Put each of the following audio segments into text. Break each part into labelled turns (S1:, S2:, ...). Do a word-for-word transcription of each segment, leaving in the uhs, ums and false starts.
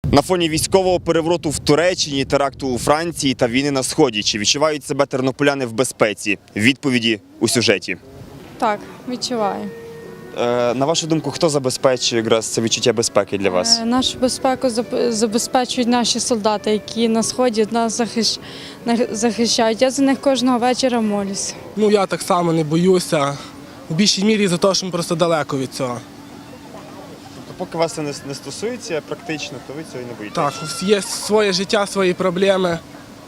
S1: На фоні військового перевороту в Туреччині, теракту у Франції та війни на Сході, чи відчувають себе тернополяни в безпеці? Відповіді у сюжеті.
S2: Так, відчуваю.
S1: Е, на вашу думку, хто забезпечує якраз це відчуття безпеки для вас?
S2: Е, Нашу безпеку заб- забезпечують наші солдати, які на Сході нас захищ- на- захищають. Я за них кожного вечора молюсь.
S3: Ну, я так само не боюся. В більшій мірі за те, що ми просто далеко від цього.
S1: Тобто, поки вас це не, не стосується практично, то ви цього і не боїтеся?
S3: Так, є своє життя, свої проблеми.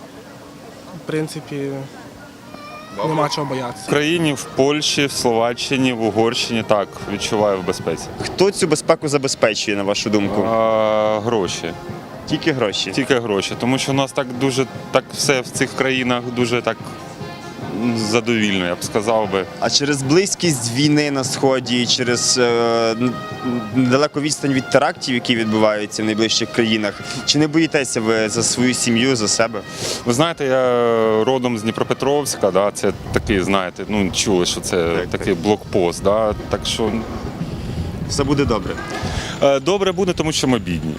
S3: В принципі, нема чого
S4: В
S3: боятися.
S4: Україні, в Польщі, в Словаччині, в Угорщині так, відчуваю в безпеці.
S1: Хто цю безпеку забезпечує, на вашу думку?
S4: А, гроші.
S1: Тільки гроші.
S4: Тільки гроші. Тому що у нас так дуже, так все в цих країнах дуже так м, задовільно, я б сказав би.
S1: А через близькість війни на Сході, через е, н- недалеку відстань від терактів, які відбуваються в найближчих країнах, чи не боїтеся ви за свою сім'ю, за себе?
S4: Ви знаєте, я родом з Дніпропетровська, да, це такий, знаєте, ну чули, що це
S1: Так,
S4: такий блокпост. Да, так що
S1: Все буде добре.
S4: е, добре буде, тому що ми бідні.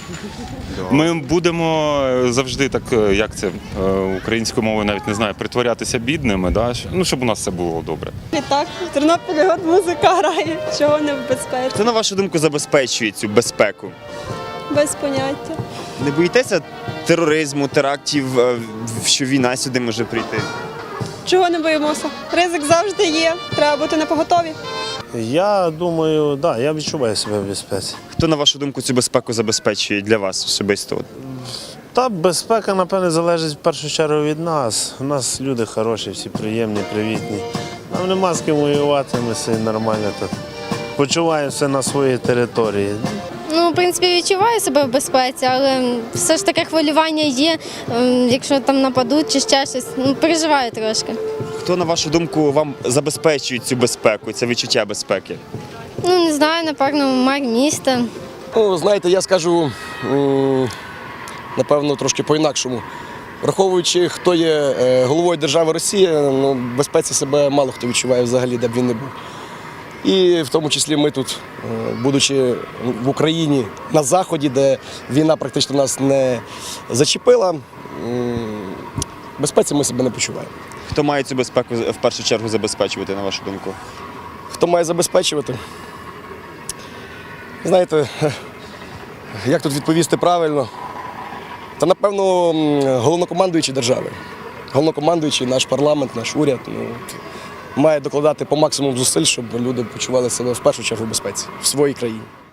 S4: Ми будемо завжди так, е, як це е, українською мовою навіть не знаю, притворятися бідними, да, що- ну, щоб у нас все було добре.
S5: Так, в Тернополі от музика грає, чого не в безпеці.
S1: Хто, на вашу думку, забезпечує цю безпеку?
S5: Без поняття.
S1: Не боїтеся тероризму, терактів, е, що війна сюди може прийти?
S5: Чого не боїмося? Ризик завжди є, треба бути напоготові.
S6: Я думаю, да, я відчуваю себе в безпеці.
S1: Хто, на вашу думку, цю безпеку забезпечує для вас особисто?
S6: Та безпека, напевне, залежить в першу чергу від нас. У нас люди хороші, всі приємні, привітні. Нам нема з ким воювати, ми все нормально тут. Почуваємося на своїй території.
S7: Ну, в принципі, відчуваю себе в безпеці, але все ж таке хвилювання є, ем, якщо там нападуть чи ще щось. Ну, переживаю трошки.
S1: Хто, на вашу думку, вам забезпечує цю безпеку, це відчуття безпеки?
S7: Ну, не знаю, напевно, мер міста.
S8: Ну, знаєте, я скажу, м, напевно, трошки по-інакшому. Враховуючи, хто є е, головою держави Росія, ну, в безпеці себе мало хто відчуває взагалі, де б він не був. І в тому числі ми тут, е, будучи в Україні на Заході, де війна практично нас не зачепила, м, в безпеці ми себе не почуваємо.
S1: Хто має цю безпеку в першу чергу забезпечувати, на вашу думку?
S8: Хто має забезпечувати? Знаєте, як тут відповісти правильно? Та, напевно, м, головнокомандуючий держави. Головнокомандуючий, наш парламент, наш уряд ну, має докладати по максимуму зусиль, щоб люди почували себе в першу чергу в безпеці в своїй країні.